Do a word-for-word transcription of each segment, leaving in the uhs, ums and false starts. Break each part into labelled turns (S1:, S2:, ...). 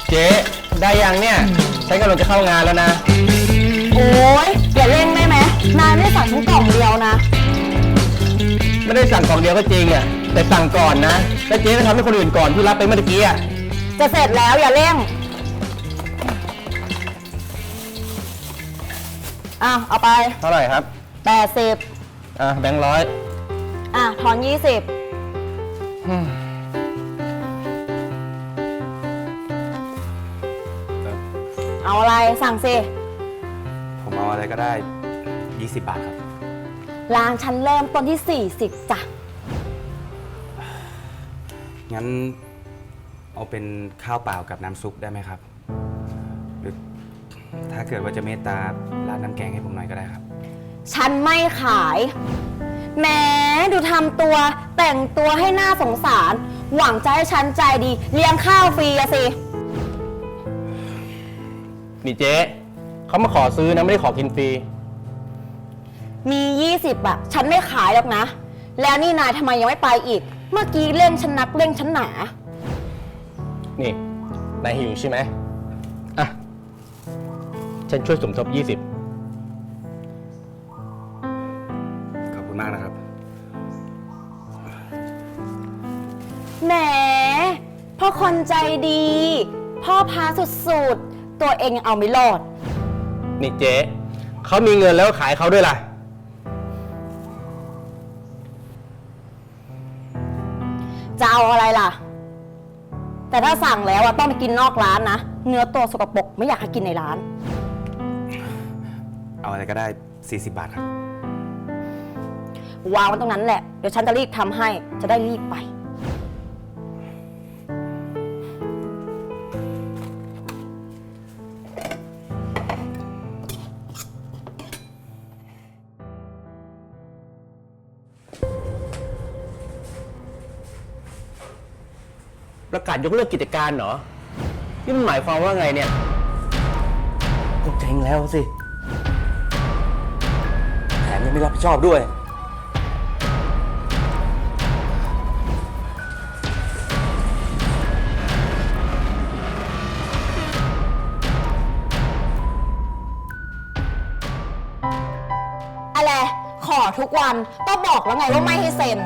S1: เจ๊ได้ยังเนี่ยฉันกำลังจะเข้างานแล้วนะ
S2: โอ๊ยอย่าเล่นได้ไหมนายไม่ได้สั่งฉันกล่องเดียวนะ
S1: ไม่ได้สั่งกล่องเดียวก็จริงอ่ะแต่สั่งก่อนนะแล้วเจ๊ก็ทำให้คนอื่นก่อนที่รับไปเมื่อกี้อ่ะ
S2: จะเสร็จแล้วอย่าเร่งอ่ะเอาไป
S1: เท่าไหร่ครับ
S2: แปดสิบ
S1: อ่ะแบงค์ร้อย
S2: อ่ะทอนยี่สิบเอาอะไรสั่งสิ
S3: ผมเอาอะไรก็ได้ยี่สิบบาทครับ
S2: ร้านฉันเริ่มต้นที่สี่สิบจ้ะ
S3: งั้นเอาเป็นข้าวเปล่ากับน้ำซุปได้ไหมครับหรือถ้าเกิดว่าจะเมตตาร้านน้ำแกงให้ผมหน่อยก็ได้ครับ
S2: ฉันไม่ขายแหมดูทำตัวแต่งตัวให้หน้าสงสารหวังจะให้ฉันใจดีเลี้ยงข้าวฟรีอะสิ
S1: นี่เจ๊เขามาขอซื้อนะไม่ได้ขอกินฟรี
S2: มียี่สิบอะฉันไม่ขายหรอกนะแล้วนี่นายทำไมยังไม่ไปอีกเมื่อกี้เร่งฉันนักเร่งฉันหนา
S1: นี่นายหิวใช่ไหมอ่ะฉันช่วยสมทบยี่สิบ
S3: ขอบคุณมากนะครับ
S2: แหมพ่อคนใจดีพ่อพาสุดๆตัวเองยังเอาไม่รอด
S1: นี่เจ๊เขามีเงินแล้วขายเขาด้วยล่ะ
S2: จะเอาอะไรล่ะแต่ถ้าสั่งแล้วอะต้องไปกินนอกร้านนะเนื้อตัวสกปรกไม่อยากให้กินในร้าน
S3: เอาอะไรก็ได้สี่สิบบาทครับ
S2: วางไว้ตรงนั้นแหละเดี๋ยวฉันจะรีบทำให้จะได้รีบไป
S1: ประกาศยกเลิกกิจการเหรอนี่มันหมายความว่าไงเนี่ยก็เจ๊งแล้วสิแถมยังไม่รับผิดชอบด้วย
S2: อะไรขอทุกวันก็บอกแล้วไงว่าไม่ให้เซ็น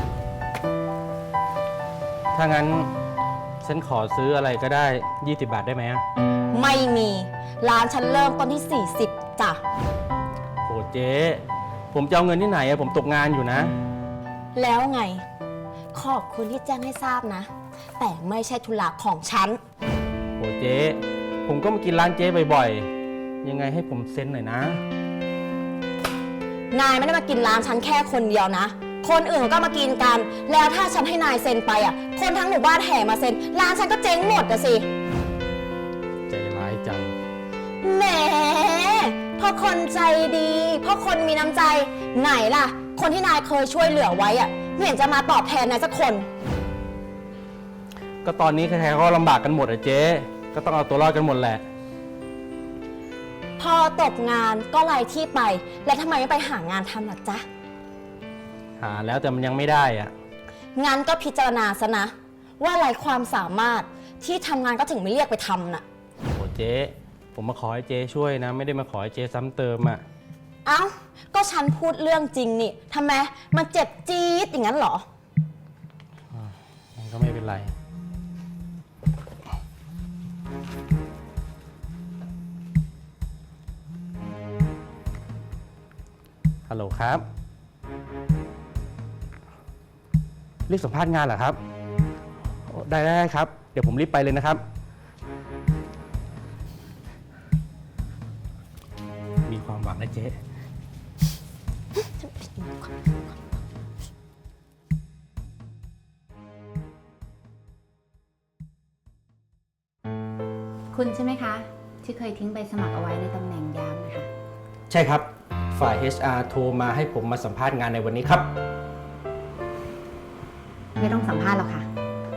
S1: ถ้างั้นฉันขอซื้ออะไรก็ได้ยี่สิบบาทได้ไหม
S2: ไม่มีร้านฉันเริ่มต้นที่สี่สิบจ้ะ
S1: โอ้เจ๊ผมจะเอาเงินที่ไหนอะผมตกงานอยู่นะ
S2: แล้วไงขอบคุณที่แจ้งให้ทราบนะแต่ไม่ใช่ธุระของฉัน
S1: โอ้เจ๊ผมก็มากินร้านเจ๊บ่อยๆยังไงให้ผมเซ็นหน่อยนะ
S2: นายไม่ได้มากินร้านฉันแค่คนเดียวนะคนอื่นก็มากินกันแล้วถ้าฉันให้นายเซ็นไปอ่ะคนทั้งหมู่บ้านแห่มาเซ็นร้านฉันก็เจ๊งหมดอะสิ
S1: ใจร้ายจัง
S2: แหมพ่อคนใจดีพ่อคนมีน้ำใจไหนล่ะคนที่นายเคยช่วยเหลือไว้อ่ะไม่เห็นจะมาตอบแทนนายสักคน
S1: ก็ตอนนี้ใครๆก็ลำบากกันหมดอะเจ๊ก็ต้องเอาตัวรอดกันหมดแหละ
S2: พอตกงานก็ไล่ที่ไปแล้วทำไมไม่ไปหางานทำล่ะจ๊ะ
S1: หาแล้วแต่มันยังไม่ได้อ่ะ
S2: งั้นก็พิจารณาซะนะว่าอะไรความสามารถที่ทำงานก็ถึงไม่เรียกไปทำน่ะ
S1: โอ้เจ๊ผมมาขอให้เจ๊ช่วยนะไม่ได้มาขอให้เจ๊ซ้ำเติมอ่ะ
S2: เอ้าก็ฉันพูดเรื่องจริงนี่ทำไมมันเจ็บจี๊ดอย่างนั้นเหรอ
S1: มันก็ไม่เป็นไรฮัลโหลครับเรียกสัมภาษณ์งานเหรอครับได้ได้ครับเดี๋ยวผมรีบไปเลยนะครับมีความหวังนะเจ๊
S4: คุณใช่ไหมคะที่เคยทิ้งใบสมัครเอาไว้ในตำแหน่งยามนะคะ
S1: ใช่ครับฝ่าย เอช อาร์ โทรมาให้ผมมาสัมภาษณ์งานในวันนี้ครับ
S4: ไม่ต้องสัมภาษณ์หรอกค่ะ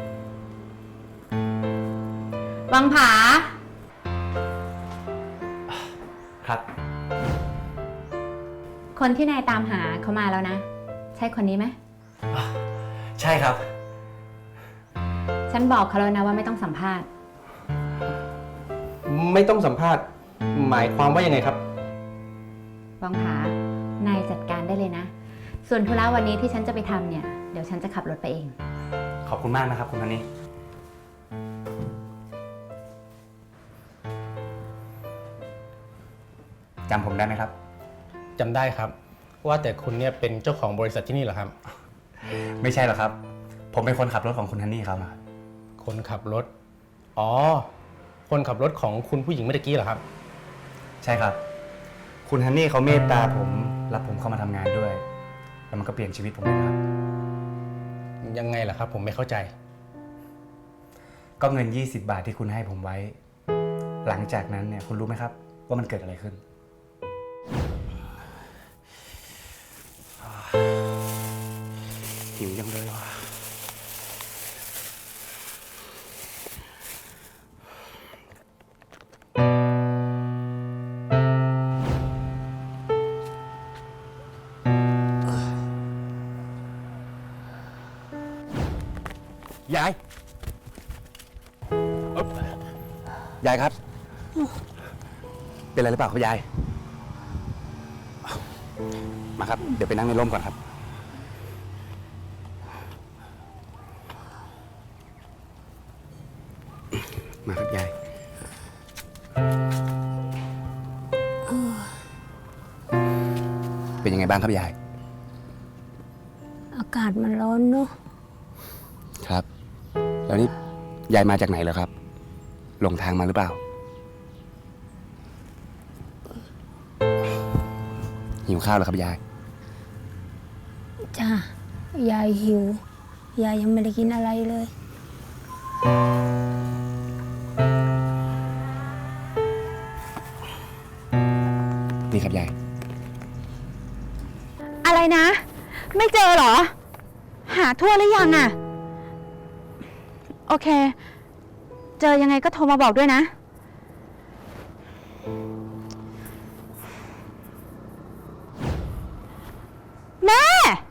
S4: วังผา
S3: ครับ
S4: คนที่นายตามหาเขามาแล้วนะใช่คนนี้ไหม
S3: ใช่ครับ
S4: ฉันบอกเขาแล้วนะว่าไม่ต้องสัมภาษณ์
S1: ไม่ต้องสัมภาษณ์ หมายความว่ายังไงครับ
S4: วังผานายจัดการได้เลยนะ ส่วนธุระวันนี้ที่ฉันจะไปทำเนี่ย เดี๋ยวฉันจะขับรถไปเอง
S3: ขอบคุณมากนะครับคุณฮันนี่จำผมได้ไหมครับ
S1: จำได้ครับ ว่าแต่คุณเนี่ยเป็นเจ้าของบริษัทที่นี่เหรอครับ
S3: ไม่ใช่หรอกครับ ผมเป็นคนขับรถของคุณฮันนี่ครับ
S1: คนขับรถ อ๋อ คนขับรถของคุณผู้หญิงเมื่อกี้เหรอครับ
S3: ใช่ครับ คุณฮันนี่เขาเมตตาผมรับผมเข้ามาทำงานด้วย แล้วมันก็เปลี่ยนชีวิตผมเลยนะครับ
S1: ยังไงล่ะครับ ผมไม่เข้าใจ
S3: ก็เงิน ยี่สิบบาทที่คุณให้ผมไว้ หลังจากนั้นเนี่ยคุณรู้ไหมครับ ว่ามันเกิดอะไรขึ้น หิวยังเลยว่ะยายเอ๊บยายครับ เป็นอะไรหรือเปล่าครับยาย มาครับ เดี๋ยวไปนั่งในร่มก่อนครับ มาครับยาย เป็นยังไงบ้างครับยาย
S5: อากาศมันร้อนเนอะ
S3: ครับ แล้วนี่ยายมาจากไหนเหรอครับ หลงทางมาหรือเปล่า หิวข้าวแล้วครับยาย
S5: จ้า ยายหิว ยายยังไม่ได้กินอะไรเลย
S3: นี่ครับยาย
S2: อะไรนะ ไม่เจอเหรอ หาทั่วหรือยังอะโอเค เจอยังไงก็โทรมาบอกด้วยนะ แม่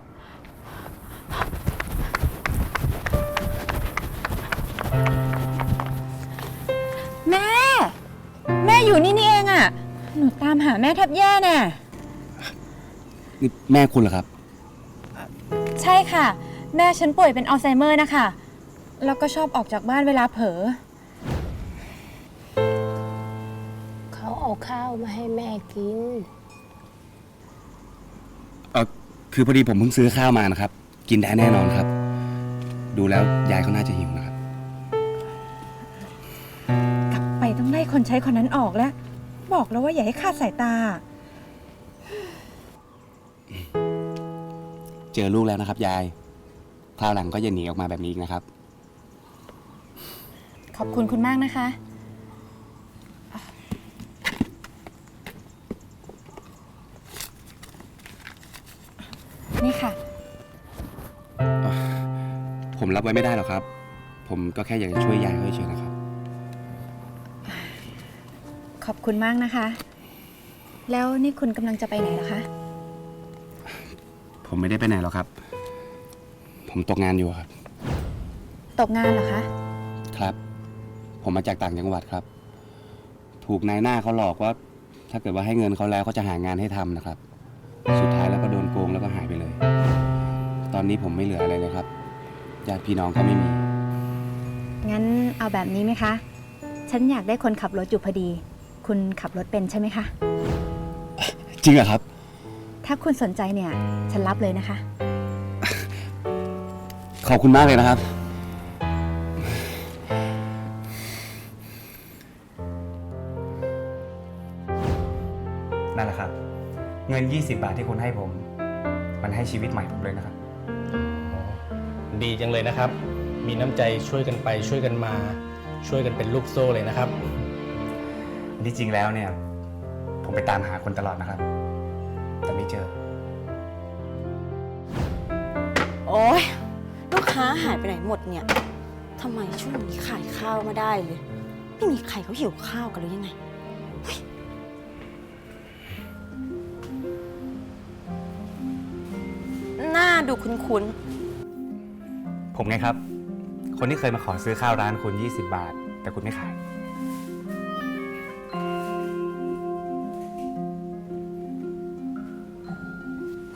S2: แม่ แม่อยู่นี่นี่เองอะหนูตามหาแม่แทบแย่แน่
S3: นี่แม่คุณเหรอครับ
S2: ใช่ค่ะ แม่ฉันป่วยเป็นอัลไซเมอร์นะคะ แล้วก็ชอบออกจากบ้านเวลาเผลอ
S5: เขาเอาข้าวมาให้แม่กิน
S3: เออคือพอดีผมเพิ่งซื้อข้าวมานะครับ กินได้แน่นอนครับ ดูแล้วยายเขาน่าจะหิวนะครับ
S6: กลับไปต้องไล่คนใช้คนนั้นออกแล้ว บอกแล้วว่าอย่าให้คลาดสายตา
S3: เจอลูกแล้วนะครับยาย คราวหลังก็อย่าหนีออกมาแบบนี้อีกนะครับ
S6: ขอบคุณคุณมากนะคะ นี่ค่ะ
S3: ผมรับไว้ไม่ได้หรอกครับ ผมก็แค่อยากจะช่วยยายเขาเฉยๆนะครับ
S6: ขอบคุณมากนะคะ แล้วนี่คุณกำลังจะไปไหนล่ะคะ
S3: ผมไม่ได้ไปไหนหรอกครับ ผมตกงานอยู่ครับ
S6: ตกงานเหรอคะ
S3: ครับ ผมมาจากต่างจังหวัดครับ ถูกนายหน้าเขาหลอกว่า ถ้าเกิดว่าให้เงินเขาแล้วเขาจะหางานให้ทำนะครับ สุดท้ายแล้วก็โดนโกงแล้วก็หายไปเลย ตอนนี้ผมไม่เหลืออะไรเลยครับ ญาติพี่น้องก็ไม่มี
S6: งั้นเอาแบบนี้ไหมคะ ฉันอยากได้คนขับรถอยู่พอดี คุณขับรถเป็นใช่ไหมคะ
S3: จริงเหรอครับ
S6: ถ้าคุณสนใจเนี่ย ฉันรับเลยนะคะ
S3: ขอบคุณมากเลยนะครับ นั่นแหละครับ เงิน ยี่สิบบาทที่คุณให้ผม มันให้ชีวิตใหม่ผมเลยนะครับ
S1: ดีจังเลยนะครับ มีน้ำใจช่วยกันไปช่วยกันมา ช่วยกันเป็นลูกโซ่เลยนะครับ
S3: ที่จริงแล้วเนี่ย ผมไปตามหาคนตลอดนะครับ แต่ไม่เจอ
S2: โอ๊ย ลูกค้าหายไปไหนหมดเนี่ย ทำไมช่วงนี้ขายข้าวมาได้เลย ไม่มีใครเขาหิวข้าวกันหรือยังไงเฮ้ยหน้าดูคุ้น
S3: ผมไงครับ คนที่เคยมาขอซื้อข้าวร้านคุณ ยี่สิบบาท แต่คุณไม่ขาย
S2: ๆ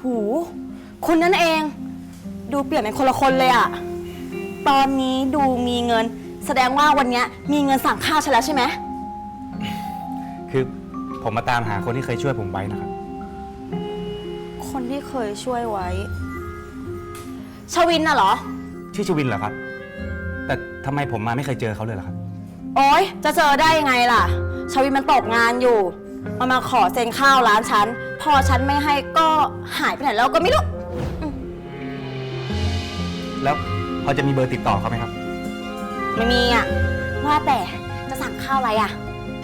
S2: หูคุณนั่นเอง ดูเปลี่ยนเป็นคนละคนเลยอะตอนนี้ดูมีเงิน แสดงว่าวันเนี้ยมีเงินสั่งข้าวฉันแล้วใช่ไหม
S3: คือผมมาตามหาคนที่เคยช่วยผมไว้นะครับ
S2: คนที่เคยช่วยไว้ ชวินน่ะเหรอ
S3: ชื่อชวินเหรอครับ แต่ทำไมผมมาไม่เคยเจอเขาเลยเหรอครับ
S2: โอ๊ย จะเจอได้ยังไงล่ะ ชวินมันตกงานอยู่ มันมาขอเซ็นข้าวร้านฉัน พอฉันไม่ให้ก็หายไปไหนแล้วก็ไม่รู้
S3: แล้วพอจะมีเบอร์ติดต่อเขาไหมครับ
S2: ไม่มีอ่ะ ว่าแต่จะสั่งข้าวอะไรอ่ะ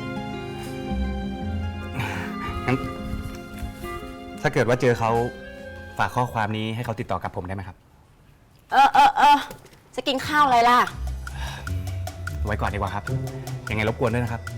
S3: งั้นถ้าเกิดว่าเจอเขาฝากข้อความนี้ให้เขาติดต่อกับผมได้ไหมครับ
S2: เออเออเออจะกินข้าวอะไรล่ะ
S3: ไว้ก่อนดีกว่าครับ ยังไงรบกวนด้วยนะครับ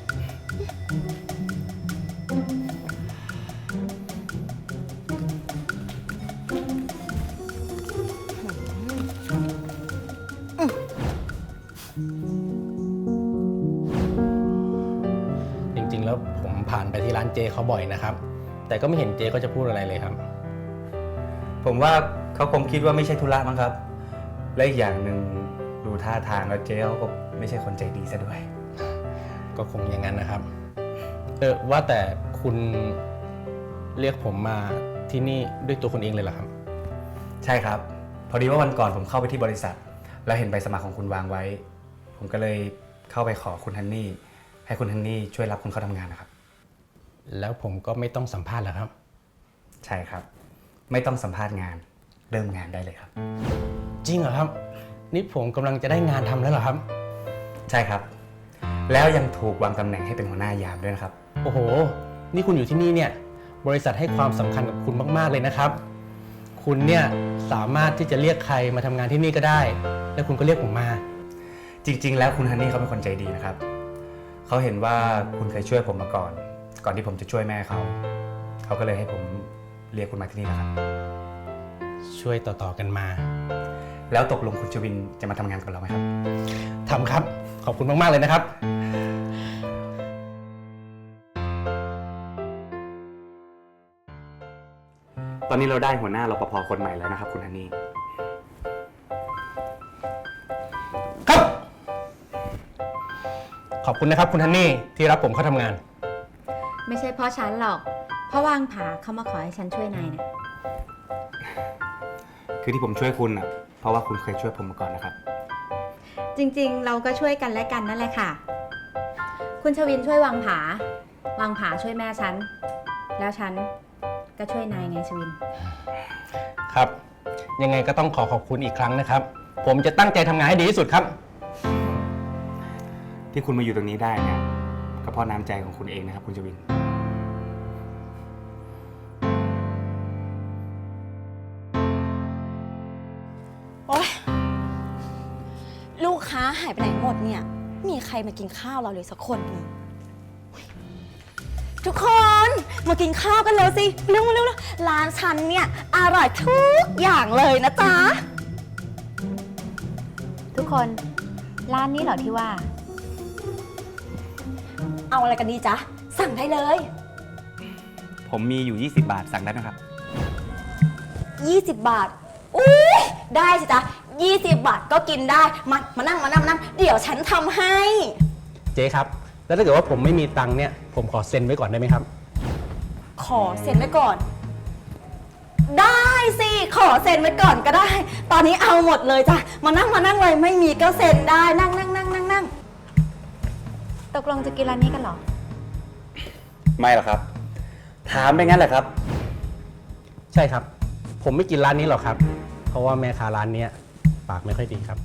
S1: จริงๆ แล้วผมผ่านไปที่ร้านเจเขาบ่อยนะครับ แต่ก็ไม่เห็นเจก็จะพูดอะไรเลยครับ
S3: ผมว่าเขาคงคิดว่าไม่ใช่ธุระมั้งครับ และอีกอย่างหนึ่งดูท่าทางแล้วเจ๊เขาก็ไม่ใช่คนใจดีซะด้วย
S1: ก็คงอย่างนั้นนะครับ เออว่าแต่คุณเรียกผมมาที่นี่ด้วยตัวคุณเองเลยเหรอครับ
S3: ใช่ครับ พอดีว่าวันก่อนผมเข้าไปที่บริษัท แล้วเห็นใบสมัครของคุณวางไว้ ผมก็เลยเข้าไปขอคุณฮันนี่ให้คุณฮันนี่ช่วยรับคุณเข้าทำงานนะครับ
S1: แล้วผมก็ไม่ต้องสัมภาษณ์เหรอครับ
S3: ใช่ครับ ไม่ต้องสัมภาษณ์งานเริ่มงานได้เลยครับ
S1: จริงเหรอครับ นี่ผมกำลังจะได้งานทำแล้วเหรอครับ
S3: ใช่ครับ แล้วยังถูกวางตำแหน่งให้เป็นหัวหน้ายามด้วยนะครับ
S1: โอ้โห นี่คุณอยู่ที่นี่เนี่ย บริษัทให้ความสำคัญกับคุณมากๆเลยนะครับ คุณเนี่ยสามารถที่จะเรียกใครมาทำงานที่นี่ก็ได้ แล้วคุณก็เรียกผมมา
S3: จริง ๆ แล้วคุณฮันนี่เขาเป็นคนใจดีนะครับ เขาเห็นว่าคุณเคยช่วยผมมาก่อน ก่อนที่ผมจะช่วยแม่เขา เขาก็เลยให้ผมเรียกคุณมาที่นี่นะครับ
S1: ช่วยต่อๆกันมา
S3: แล้วตกลงคุณชวินจะมาทำงานกับเราไหมครับ
S1: ทำครับ ขอบคุณมากๆเลยนะครับ
S3: ตอนนี้เราได้หัวหน้ารปภคนใหม่แล้วนะครับคุณฮันนี่
S1: ครับ ขอบคุณนะครับคุณฮันนี่ที่รับผมเข้าทำงาน
S4: ไม่ใช่เพราะฉันหรอก เพราะวางผาเขามาขอให้ฉันช่วยนายนะ
S3: คือที่ผมช่วยคุณอ่ะ เพราะว่าคุณเคยช่วยผมมาก่อนนะครับ
S4: จริงๆ เราก็ช่วยกันและกันนั่นแหละค่ะ คุณชวินช่วยวางผา วางผาช่วยแม่ฉัน แล้วฉันก็ช่วยนายไงชวิน
S1: ครับ ยังไงก็ต้องขอขอบคุณอีกครั้งนะครับ ผมจะตั้งใจทำงานให้ดีที่สุดครับ
S3: ที่คุณมาอยู่ตรงนี้ได้เนี่ยก็เพราะน้ำใจของคุณเองนะครับคุณชวิน
S2: โอ๊ย ลูกค้าหายไปไหนหมดเนี่ย มีใครมากินข้าวเราเลยสักคนหนึ่งทุกคนมากินข้าวกันเลยสิเร็วๆเร็วๆร้านฉันเนี่ยอร่อยทุกอย่างเลยนะจ๊ะ
S6: ทุกคน ร้านนี้เหรอที่ว่า
S2: เอาอะไรกันดีจ๊ะ สั่งได้เลย
S3: ผมมีอยู่ ยี่สิบบาทสั่งได้ไหมครับ
S2: ยี่สิบบาทอุ้ยได้สิจ๊ะยี่สิบบาทก็กินได้ มามานั่งมานั่งมานั่งเดี๋ยวฉันทำให้
S1: เจ๊ครับ แล้วถ้าเกิดว่าผมไม่มีตังค์เนี่ย ผมขอเซ็นไว้ก่อนได้ไหมครับ
S2: ขอเซ็นไว้ก่อน ได้สิ ขอเซ็นไว้ก่อนก็ได้ ตอนนี้เอาหมดเลยจ้ะ มานั่งมานั่งเลยไม่มีก็เซ็นได้ นั่งนั่งนั่งนั่งนั่ง
S6: ตกลงจะกินร้านนี้กันเหรอ
S3: ไม่หรอกครับ ถามไปงั้นแหละครับ
S1: ใช่ครับ ผมไม่กินร้านนี้หรอกครับ เพราะว่าแม่ค้าร้านเนี้ยปากไม่ค่อยดีครับ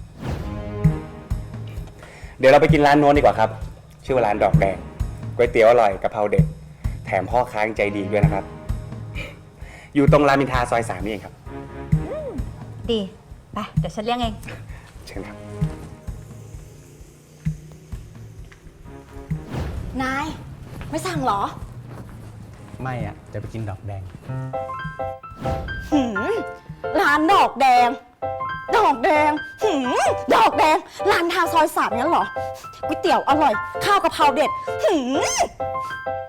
S3: เดี๋ยวเราไปกินร้านโน้นดีกว่าครับ ชื่อว่าร้านดอกแดงก๋วยเตี๋ยวอร่อยกะเพราเด็ด แถมพ่อค้ายังใจดีด้วยนะครับ อยู่ตรงรามอินทราซอยสามนี่เองครับ
S6: ดี ไป เดี๋ยวฉันเลี้ยงเอง
S3: เชิญครับ
S2: นาย ไม่สั่งเหรอ
S1: ไม่อ่ะ จะไปกินดอกแดง
S2: หืมร้านดอกแดง ดอกแดง หืมดอกแดง ร้านทาซอยสามงั้นเหรอ ก๋วยเตี๋ยวอร่อย ข้าวกะเพราเด็ด หืม